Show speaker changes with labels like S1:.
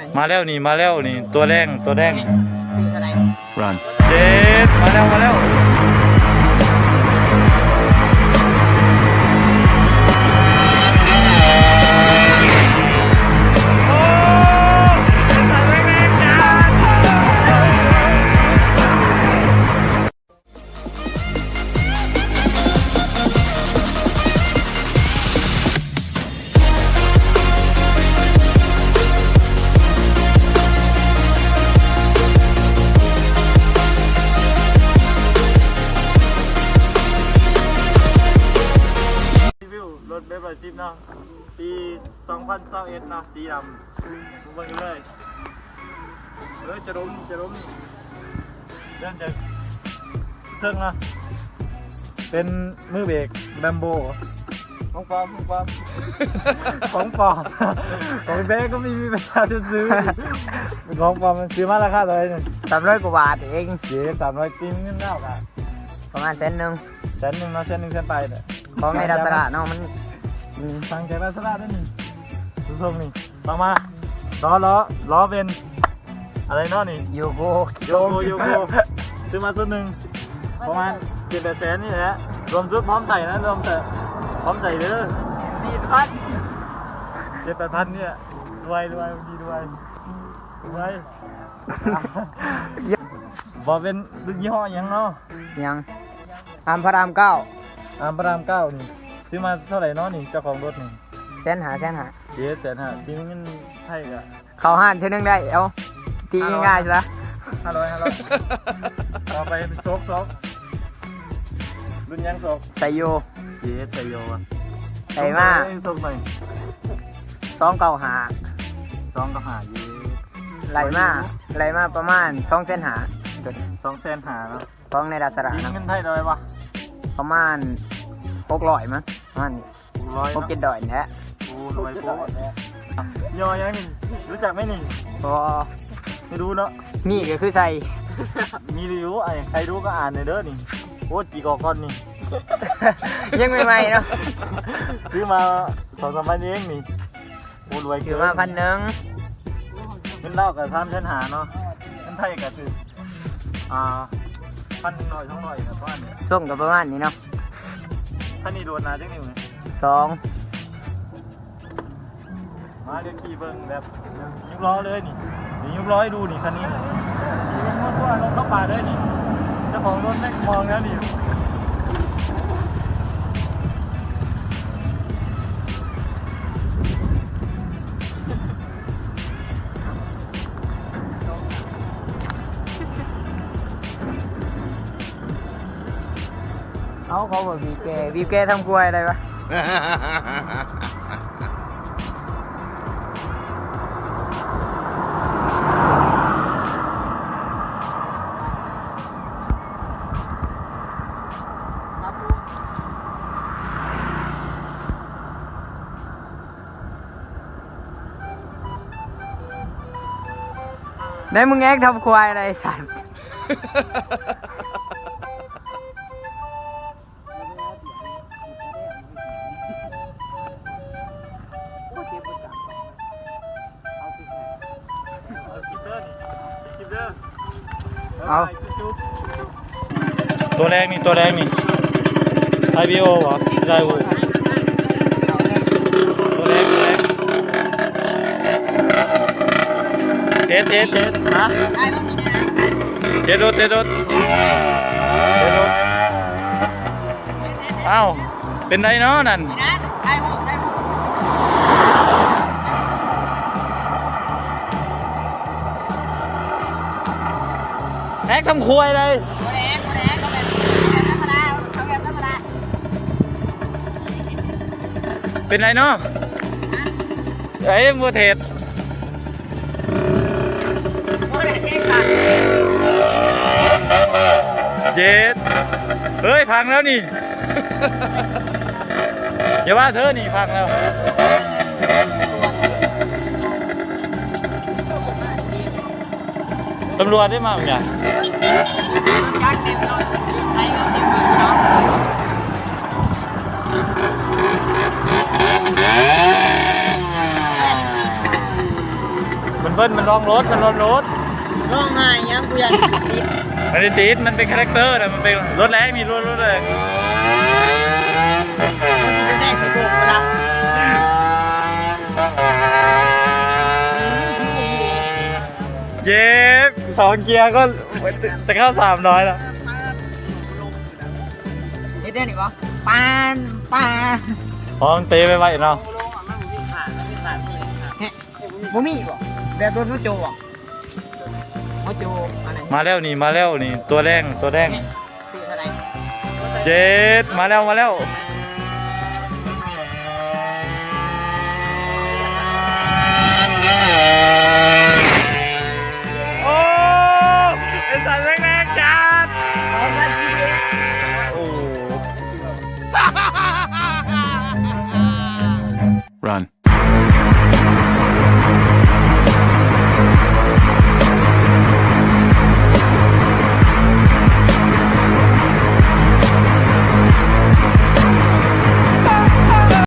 S1: มาแล้วนี่ตัวแดง
S2: Run
S1: เจ็ดมาแล้วรถเบฟชิปเนาะปี2021เนาะสีดำดูเบิ่งกันเลยจะล้มเริ่มจากเครื่องนะเป็นมือเบรกแบมโบของปลอมของเบรกก็มีประชาชนซื้อเป็นของปลอมมันซื้อมาราคาเท่าไหร่เนี่ย
S3: 300 กว่าบาทเอง
S1: เจ๊300จริงเงินเท่ากัน
S3: ประมาณ100,000
S1: 100,000เนาะ100,000ไปเนี่ย
S3: ของในดัสระเนาะมัน
S1: สั่งใจดัสระได้นี่ดูทรงนี่ต่อมาล้อเป็นอะไรเนาะนี่
S3: โยโก
S1: ซื้อมาชุดหนึ่งประมาณ7-8 แสนนี่แหละรวมชุดพร้อมใส่นะพร้อมใส่เด้อ7,000-8,000เนี่ยรวยดีบอกเป็นรุ่นยี่ห้อยังเนาะ
S3: ยังอามพระราม 9
S1: นี่ซื้อมาเท่าไหร่เนาะนี่เจ้าของรถนี่
S3: แสนหา
S1: เจ๊แต่ถ้าปีนี้เงินไทยก็
S3: เข้าห้านเท่านึงได้เอาตีง่ายๆใช่ไหม
S1: 500ต่อไปเป็นโชครุ่นยังโชค
S3: ไซโย
S1: เจ๊ไซโยอ่ะ
S3: ใส่มา
S1: โชคหน่อย
S3: 295
S1: เย้
S3: ไหลมาประมาณ2 เส้นหา
S1: 2 แสนหาเนาะ
S3: ของในดัสระ
S1: ปีเงินไทยได้ปะ
S3: ประมาณ600มั้งประมาณ6-7 ดอยแท้
S1: โอ้ทำไมโป๊ะยอยังนี่รู้จักไหมนี่
S3: พอ
S1: ไม่รู้เนาะ
S3: นี่ก็คือใส่
S1: มีรีวิวไอ้ใครรู้ก็อ่านเลยเด้อนี่โอ้กี่กอกก้อนนี่
S3: ยังใหม่ๆเนาะ
S1: ซื้อมา2-3 วันเองนี่โอ้รวยเกิน
S3: ซื้อมา1,000
S1: เงินเล่ากับ3 แสนหาเนาะเงินไทยก็คือ1,000 100 200ครับบ้านเนี่ย
S3: ส่งกับประมาณนี้เนาะ
S1: ท่านนี่โดนนาจังนิ้วเนี่ย
S3: 2
S1: มาเรียกขี่เบิ้งแบบยุบล้อเลยนี่ยุบล้อให้ดูนี่คันนี้ตัวลงเข้าป่าเลยนี่เจ้าของรถแม่งมองแล้วนี่
S3: เขาบอกบีบแกทำกล้วยอะไรวะไหนมึงแอกทำควายอะไรสัตว์เอา
S1: ตัวแรกนี่IBO เหรอได้โว้ตัวแรกเจ็ดฮะเจ็ดรถอ้าวเป็นไรเนาะนั่นแอ๊กทำควยเลยเป็นไรเนาะไอ้มัวเทศเจ็ดเฮ้ยพังแล้วนี่อย่าว่าเธอนี่พังแล้วตำรวจได้มาไหมมันเบิ้ลมันลองรถมันลองรถ
S3: ร้องไห้ยังกูอยากติด
S1: มันได้ติดมันเป็นคาแรคเตอร์นะมันเป็นรถแรงมีรถแรง
S3: จะแทรกกระโปรงเวลา
S1: เย็บ2 เกียร์ก็จะเข้า300แล้ว
S3: เฮ็ดได้หนิวะปานปาน
S1: อ๋อมันเตะไปไว้เนาะ
S3: บ่มีบ่แบบรถโจบ่โจอะไร
S1: มาแล้วนี่ตัวแรง
S3: ซื้อเท่าไหร่
S1: เจ็ดมาแล้ว